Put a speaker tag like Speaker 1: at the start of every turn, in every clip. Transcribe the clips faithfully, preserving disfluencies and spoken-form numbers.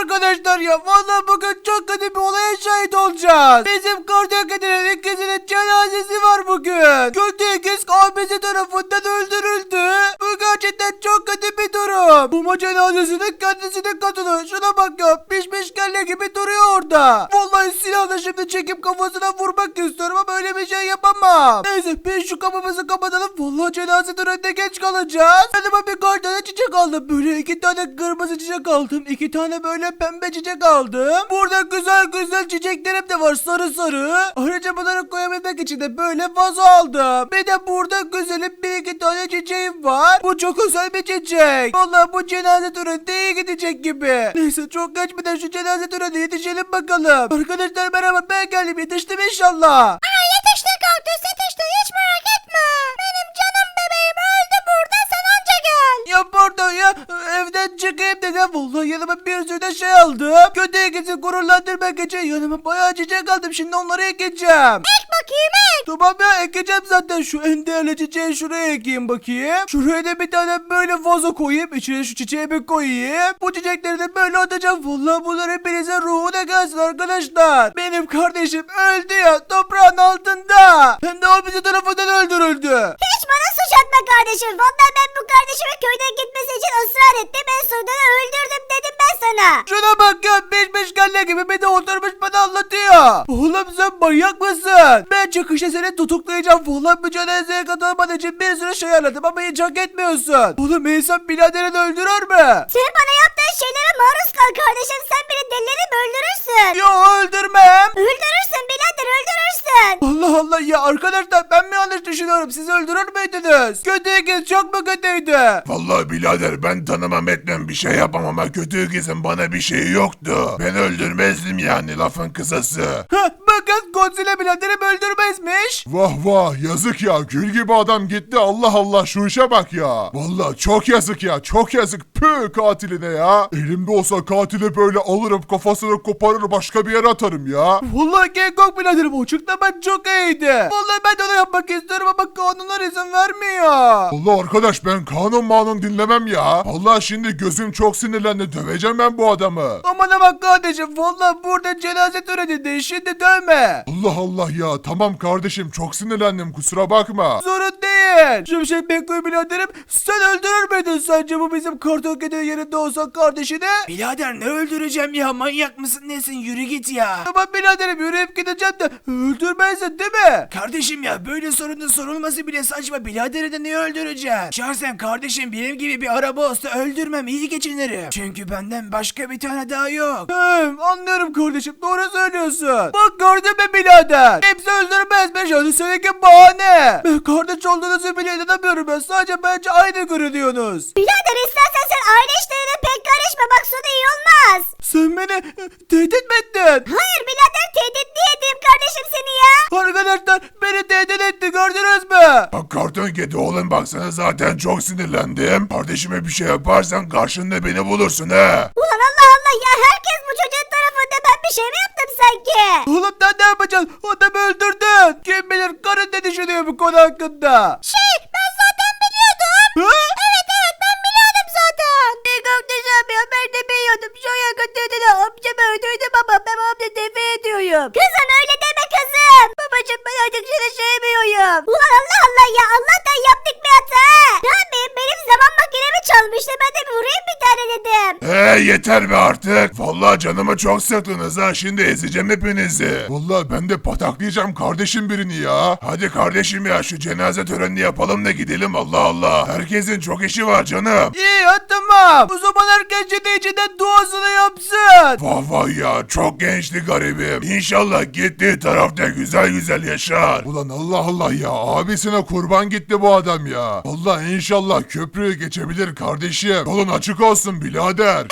Speaker 1: arkadaşlar ya. Vallahi bugün çok kötü bir olaya şahit olacağız. Bizim kardeş kedinin ikisinin cenazesi var bugün. Kötü ikiz abisi tarafından öldürüldü. Bu gerçekten çok kötü bir durum. Bu cenazesinin kendisi de katılıyor. Şuna bak ya. Pişmiş kelle gibi duruyor orada. Vallahi silahla şimdi çekip kafasına vurmak istiyorum ama öyle bir şey yapamam. Neyse biz şu kapımızı kapatalım. Vallahi cenaze törenine geç kalacağız. Yanıma birkaç tane çiçek aldım. Böyle iki tane kırmızı çiçek aldım. İki tane böyle pembe çiçek aldım. Burada güzel güzel çiçeklerim de var, sarı sarı. Ayrıca bunları koyabilmek için de böyle vazo aldım. Bir de burada güzelim bir iki tane çiçeğim var. Bu çok özel bir çiçek. Vallahi bu cenaze töreninde iyi gidecek gibi. Neyse çok geçmeden şu cenaze törenine yetişelim bakalım. Arkadaşlar merhaba, ben geldim, yetiştim inşallah.
Speaker 2: Aa, yetişti kaktüs, yetişti, hiç merak etme. Benim canım bebeğim öldü burada, sen anca gel.
Speaker 1: Ya pardon ya, evden çıkayım dedim. Vallahi yanıma bir sürü de şey aldım. Kötü ikisi gururlandırmak için yanıma bayağı çiçek aldım. Şimdi onları ekeceğim.
Speaker 2: Ek bakayım ek.
Speaker 1: Tamam ya, ekeceğim zaten. Şu en değerli çiçeği şuraya ekeyim bakayım. Şuraya da bir tane böyle vazo koyayım. İçine şu çiçeği bir koyayım. Bu çiçekleri de böyle atacağım. Vallahi bunlar hepinizin ruhuna gelsin arkadaşlar. Benim kardeşim öldü ya, toprağın altında. Hem de o bizi tarafından öldürüldü.
Speaker 2: Hiç bana suç atma kardeşim. Vallahi ben bu kardeşimin köyden gitmesi için ısrar ettim. En sonunda öldürdüm dedim ben sana.
Speaker 1: Şuna bak ya, beş beş kelle gibi bir de oturmuş bana anlatıyor. Oğlum sen manyak mısın? Ben çıkışta seni tutuklayacağım. Vallahi bu cenazeye katılman için bir sürü şey ayarladım ama hiç hak etmiyorsun. Oğlum insan biraderini öldürür mü?
Speaker 2: Sen bana yaptığın şeylere maruz kal kardeşim. Sen beni delileri mi öldürürsün?
Speaker 1: Yo, öldürmem.
Speaker 2: Öldürürsün birader, öldürürsün.
Speaker 1: Allah Allah ya arkadaşlar, ben mi yanlış düşünüyorum? Siz öldürür müydünüz? Kötü ikiz çok mu kötüydü?
Speaker 3: Vallahi birader ben tanımam etmem bir şey yapamam ama kötü ikizin bana bir şeyi yoktu. Ben öldürmezdim yani, lafın kısası.
Speaker 1: Heh, bakın Godzilla biraderim öldürmezmiş.
Speaker 3: Vah vah, yazık ya, gül gibi adam gitti, Allah Allah, şu işe bak ya. Vallahi çok yazık ya, çok yazık, püh katiline ya. Elimde olsa katili böyle alırım, kafasını koparır, başka bir yere atarım ya.
Speaker 1: Vallahi King Kong biraderim o açıklaman çok iyiydi. Vallahi ben de onu yapmak istiyorum ama kanunlar izin vermiyor.
Speaker 3: Allah arkadaş, ben kanun manun dinlemem ya. Vallahi şimdi gözüm çok sinirlendi, döveceğim ben bu adamı.
Speaker 1: Aman bak kardeşim, vallahi burada cenaze töreninde, şimdi dövme.
Speaker 3: Allah Allah ya, tamam kardeşim, çok sinirlendim, kusura bakma.
Speaker 1: Sorun değil. Şimşek Bekkoy biraderim, sen öldürür müydün sence bu bizim karton kedinin yerinde olsa kardeşini? Birader ne öldüreceğim ya, manyak mısın nesin, yürü git ya. Tamam biraderim, yürüyüp gideceğim de öldürmezsin değil mi? Kardeşim ya, böyle sorunun sorulması bile saçma, biraderi de niye öldüreceğim? Şahsen kardeşim benim gibi bir araba olsa öldürmem, iyi geçinirim. Çünkü benden başka bir tane daha yok. Hem anlıyorum kardeşim, doğru söylüyorsun. Bak gördün mü birader? Hepsi öldürmezmiş, hadi seninki bahane. Ben kardeş olduğunuzu bile inanamıyorum ben, sadece bence aynı görünüyorsunuz.
Speaker 2: Birader istersen sen aile işlerine pek karışma, bak sonu iyi olmaz.
Speaker 1: Sen beni e, tehdit mi ettin?
Speaker 2: Hayır birader, tehdit niye edeyim kardeşim seni ya?
Speaker 1: Arkadaşlar beni tehdit etti, gördünüz mü?
Speaker 3: Bak karton kedi oğlum, bak sana zaten çok sinirlendim. Kardeşime bir şey yaparsan karşında beni bulursun he.
Speaker 2: Ulan Allah Allah ya, herkes bu çocuğun tarafında, ben bir şey mi yaptım sanki?
Speaker 1: Oğlum sen ne yapacaksın? Adamı öldürdün. Kim bilir karın ne düşünüyor bu konu hakkında?
Speaker 2: Şey, ben zaten biliyordum.
Speaker 1: Ha?
Speaker 2: Evet evet, ben biliyordum zaten. Ne kardeşim ya, ben de biliyordum. Şu yakın dedene amcamı öldürdüm ama ben amca defe ediyorum. Kızım öyle deme kızım. Babacım ben artık seni sevmiyorum. Ulan Allah Allah ya, Allah'tan yaptık bir hata. Ne yapayım, benim zaman makinemi çalmıştı, ben de bir vurayım bir tane dedim.
Speaker 3: He yeter be artık. Vallahi canımı çok sıktınız ha, şimdi ezeceğim hepinizi. Vallahi ben de pataklayacağım kardeşim birini ya. Hadi kardeşim ya, şu cenaze törenini yapalım da gidelim, Allah Allah. Herkesin çok işi var canım.
Speaker 1: İyi ya, tamam. O zaman herkes ciddi içinden duasını yapsın.
Speaker 3: Vah vah ya, çok gençti garibim. İnşallah gittiği tarafta güzel güzel yaşar. Ulan Allah Allah ya, abisine kurban gitti bu adam ya. Vallahi inşallah köprüyü geçebilir kardeşim. Yolun açık olsun birader.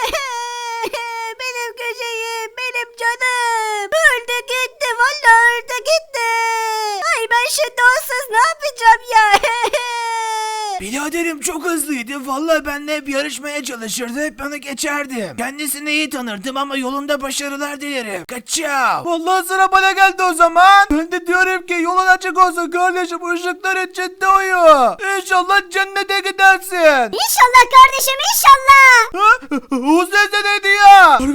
Speaker 2: Benim köşeyim, benim canım. Öldü gitti, vallahi öldü gitti. Ay ben şimdi onsuz ne yapacağım ya?
Speaker 1: Biraderim çok hızlıydı. Vallahi benimle hep yarışmaya çalışırdı. Hep bana geçerdim. Kendisini iyi tanırdım ama yolunda başarılar dilerim. Kaçav. Vallahi sıra bana geldi o zaman. Ben de diyorum ki yolun açık olsun kardeşim. Işıklar içinde uyu. İnşallah cennete gidersin.
Speaker 2: İnşallah kardeşim, inşallah.
Speaker 1: Ha? O ses de neydi ya?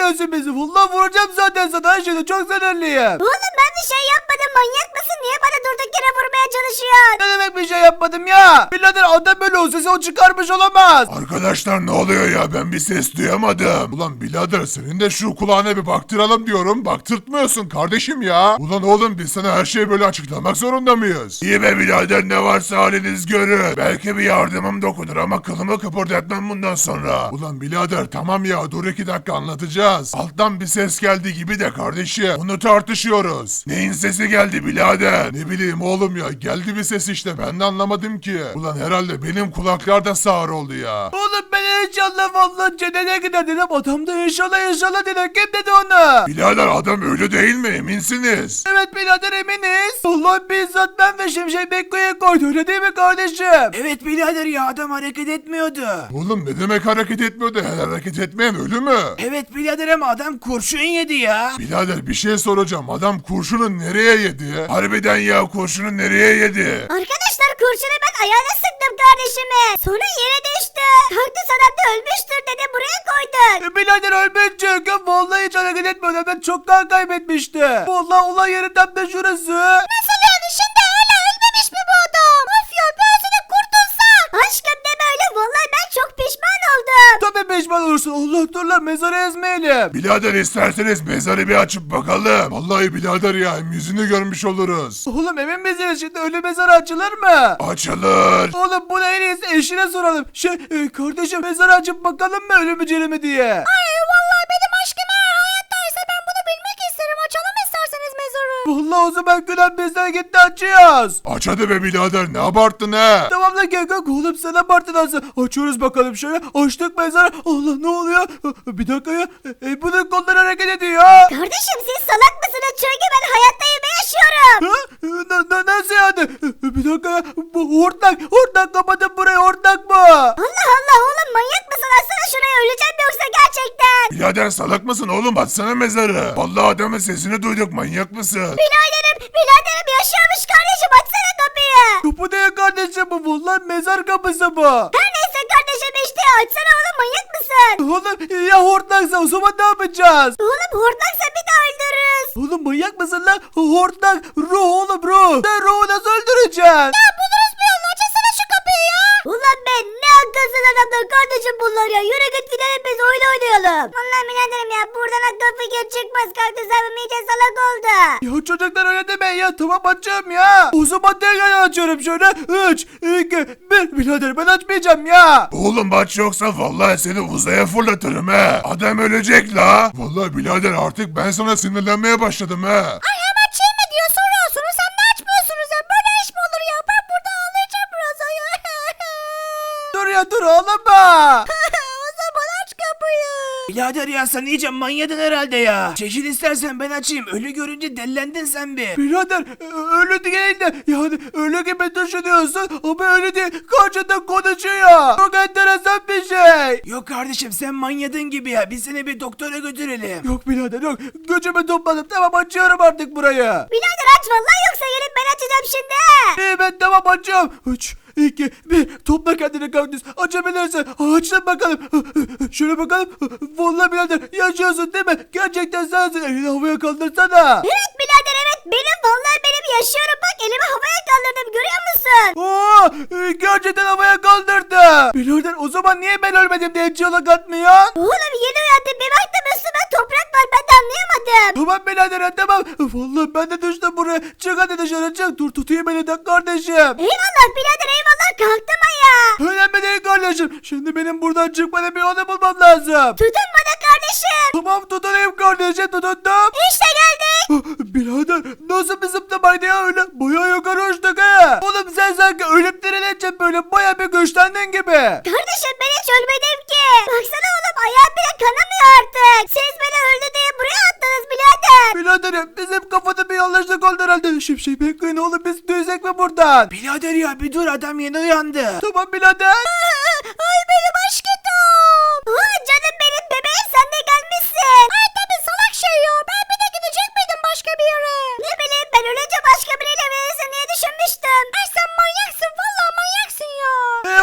Speaker 1: dinlemiyorsun bizi. Vallahi vuracağım zaten sana. Şimdi çok sinirliyim.
Speaker 2: Oğlum ben bir şey yapmadım, manyak mısın? Niye bana durduk yere vurmaya çalışıyorsun?
Speaker 1: Ne demek bir şey yapmadım ya? Birader adam böyle olsa sen o çıkarmış olamaz.
Speaker 3: Arkadaşlar ne oluyor ya, ben bir ses duyamadım. Ulan birader senin de şu kulağına bir baktıralım diyorum. Baktırtmıyorsun kardeşim ya. Ulan oğlum biz sana her şeyi böyle açıklamak zorunda mıyız? İyi be birader, ne varsa haliniz görün. Belki bir yardımım dokunur ama kılımı kıpırdatmam bundan sonra. Ulan birader tamam ya, dur iki dakika anlatacağız. Alttan bir ses geldi gibi de kardeşim. Bunu tartışıyoruz. Neyin sesi geldi birader? Ne bileyim oğlum ya, geldi bir ses işte, ben de anlamadım ki. Ulan herhalde benim kulaklar da sağır oldu ya.
Speaker 1: Oğlum ben inşallah vallahi cennete gider dedim. Adam da inşallah inşallah dedi. Kim dedi onu?
Speaker 3: Birader adam ölü değil mi, eminsiniz?
Speaker 1: Evet birader eminiz. Vallahi bizzat ben ve Şimşek Bekko'ya koydu öyle değil mi kardeşim? Evet birader ya adam hareket etmiyordu.
Speaker 3: Oğlum ne demek hareket etmiyordu? Her hareket etmeyen ölü mü?
Speaker 1: Evet birader ama adam kurşun yedi ya.
Speaker 3: Birader bir şey soracağım. Adam kurşunu nereye yedi? Harbiden ya, kurşunu nereye yedi?
Speaker 2: Arkadaşlar kurşunu ben ayağına sıktım kardeşime. Sonra yere düştü. Kaktüs adam da ölmüştür dedi, buraya koyduk.
Speaker 1: E, birader ölmüş çünkü vallahi hiç hareket etmiyordu. Ben çok kan kaybetmişti. Vallahi olay yeri tam da şurası.
Speaker 2: Nasıl yani, şimdi öyle ölmemiş mi bu adam? Of ya, ben seni kurtulsam. Aşkım deme öyle, vallahi ben çok pişman oldum.
Speaker 1: Tabii pişman olursun. Allah dur lan mezarı ezmeyelim.
Speaker 3: Birader isterseniz mezarı bir açıp bakalım. Vallahi birader ya, hem yüzünü görmüş oluruz.
Speaker 1: Oğlum emin misiniz şimdi ölü mezarı açılır mı?
Speaker 3: Açılır.
Speaker 1: Oğlum bunu en iyisi eşine soralım. Şey e, kardeşim mezarı açıp bakalım mı ölü mü diri mi diye.
Speaker 2: Ay vallahi benim aşkım eğer hayattaysa ben bunu bilmek isterim. Açalım isterseniz mezarı.
Speaker 1: Vallahi o zaman Gülen bizden gitti açıyoruz.
Speaker 3: Aç hadi be birader, ne abarttın he?
Speaker 1: Tamam lan gel kalk oğlum sen abartın nasıl? Açıyoruz bakalım şöyle. Açtık mezarı. Allah ne oluyor? Bir dakika ya. E, bunun kolları hareket ediyor.
Speaker 2: Kardeşim siz salak mısınız? Çünkü ben hayattayım ve yaşıyorum.
Speaker 1: Ha? Na, na, nasıl yani? Bir dakika ya. Bu hortlak. Hortlak kapatın burayı hortlak bu.
Speaker 2: Allah Allah oğlum, manyak mısın? Açsana şurayı, öleceğim yoksa gerçekten.
Speaker 3: Birader salak mısın oğlum, açsana mezarı. Vallahi adamın sesini duyduk, manyak mısın?
Speaker 2: Biraderim, biraderim yaşıyormuş kardeşim, açsana kapıyı.
Speaker 1: Kapı değil kardeşim bu. Vallahi mezar kapısı bu.
Speaker 2: Her neyse kardeşim işte, açsana oğlum, manyak mısın?
Speaker 1: Oğlum ya hortlaksa o zaman ne yapacağız?
Speaker 2: Oğlum hortlaksa bir daha öldürürüz.
Speaker 1: Oğlum manyak mısın lan? Hortlak ruh oğlum ruh. Sen ruhu nasıl öldüreceksin?
Speaker 2: Ya buluruz bir yolunu, açsana şu kapıyı ya. Ulan ben ne akılsız adamlar kardeşim bunlar ya. Yürü git gidelim biz oyun oynayalım. Vallahi biraderim ya, buradan akıl fikir çıkmaz. Kaktüs abim iyice salak oldu.
Speaker 1: Ya çocuklar öyle demeyin ya. Tamam açacağım ya. O zaman tekrar açıyorum şöyle. üç, iki, bir. Birader ben açmayacağım ya.
Speaker 3: Oğlum aç yoksa vallahi seni uzaya fırlatırım he. Adam ölecek la. Vallahi birader artık ben sana sinirlenmeye başladım he.
Speaker 2: Ay hemen şey mi diyor soruyorsunuz, sen de açmıyorsunuz ya. Böyle iş mi olur ya? Ben burada ağlayacağım biraz ya.
Speaker 1: Dur ya dur ağlama.
Speaker 2: O zaman aç kapıyı.
Speaker 1: Birader ya sen iyice manyadın herhalde ya. Çekil istersen ben açayım. Ölü görünce dellendin sen bir. Birader ö- ölü değil de yani ölü gibi düşünüyorsun ama öyle değil. Karşında konuşuyor. Çok enteresan bir şey. Yok kardeşim sen manyadın gibi ya. Biz seni bir doktora götürelim. Yok birader yok. Gücümü topladım. Tamam açıyorum artık burayı.
Speaker 2: Birader aç vallahi, yoksa gelip ben açacağım şimdi.
Speaker 1: İyi ben tamam açıyorum. üç, iki, bir. Topla kendini kaktüs. Açabilirsin. Açtım bakalım. Şöyle bakalım. Vallahi birader yaşıyorsun değil mi? Gerçekten sensin. Elini havaya kaldırsana.
Speaker 2: Evet birader evet, benim vallahi benim yaşıyorum, bak elimi havaya kaldırdım, görüyor musun?
Speaker 1: Oo, e, gerçekten havaya kaldırdı. Birader o zaman niye ben ölmedim diye hiç yola katmıyor?
Speaker 2: Oğlum yeni uyandım, bir baktım üstüme toprak var, ben de anlayamadım.
Speaker 1: Tamam birader ha, tamam. Vallahi ben de düştüm buraya. Çık hadi dışarı çık. Dur tutayım beni de kardeşim.
Speaker 2: Eyvallah birader eyvallah, kalktım ayağa.
Speaker 1: Önemli değil kardeşim. Şimdi benim buradan çıkmanın bir yolu bulmam lazım.
Speaker 2: Tutun bana kardeşim.
Speaker 1: Tamam tutunayım kardeşim tutundum.
Speaker 2: İşte geldik.
Speaker 1: Birader nasıl bir zıplamaydı ya öyle? Bayağı yukarı uçtuk ha. Oğlum sen sanki ölüp dirilince böyle bayağı bir güçlendin gibi.
Speaker 2: Kardeşim ben hiç ölmedim ki. Baksana oğlum, ayağım bile kanamıyor artık. Siz beni öldü diye buraya attınız birader.
Speaker 1: Biraderim bizim kafada bir yanlışlık oldu herhalde. Şimşek bekleyin oğlum biz düzek mi buradan? Birader ya bir dur adam yeni uyandı. Tamam birader.
Speaker 2: Ay benim aşkım. Aa, canım benim bebeğim, sen de gelmişsin. Ay tabi salak şey ya, ben bir de gidecek miydim başka bir yere? Ne bileyim ben, ölünce başka biriyle verirsin diye düşünmüştüm. Ay sen manyaksın, vallahi manyaksın ya.
Speaker 1: E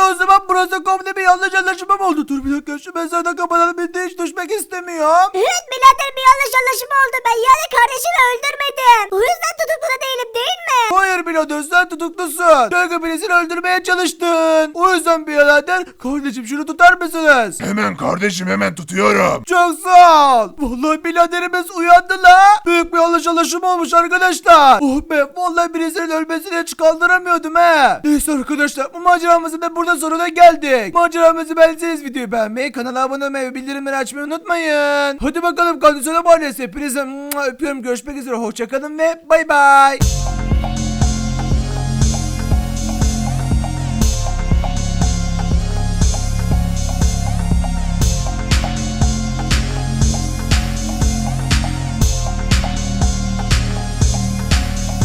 Speaker 1: o zaman burası komple bir yanlış anlaşma mı oldu? Dur bir dakika şu mezarda kapatalım. Bir de hiç düşmek istemiyorum.
Speaker 2: Evet birader bir yanlış anlaşma oldu. Ben yani kardeşimi öldürmedim. O yüzden tutuklu da değilim değil mi?
Speaker 1: Hayır birader sen tutuklusun. Çünkü birisini öldürmeye çalıştın. O yüzden birader kardeşim şunu tutar mısınız?
Speaker 3: Hemen kardeşim hemen tutuyorum.
Speaker 1: Çok sağ ol. Vallahi biraderimiz uyandı la. Büyük bir yanlış anlaşma olmuş arkadaşlar. Oh be vallahi birisinin ölmesini hiç kaldıramıyordum he. Neyse arkadaşlar bu maceramızın da burada sonuna geldik. Maceramızı beğendiyseniz videoyu beğenmeyi, kanala abone olmayı ve bildirimleri açmayı unutmayın. Hadi bakalım kardeşlerim ailesi. Hepinize öpüyorum. Görüşmek üzere. Hoşçakalın ve bay bay.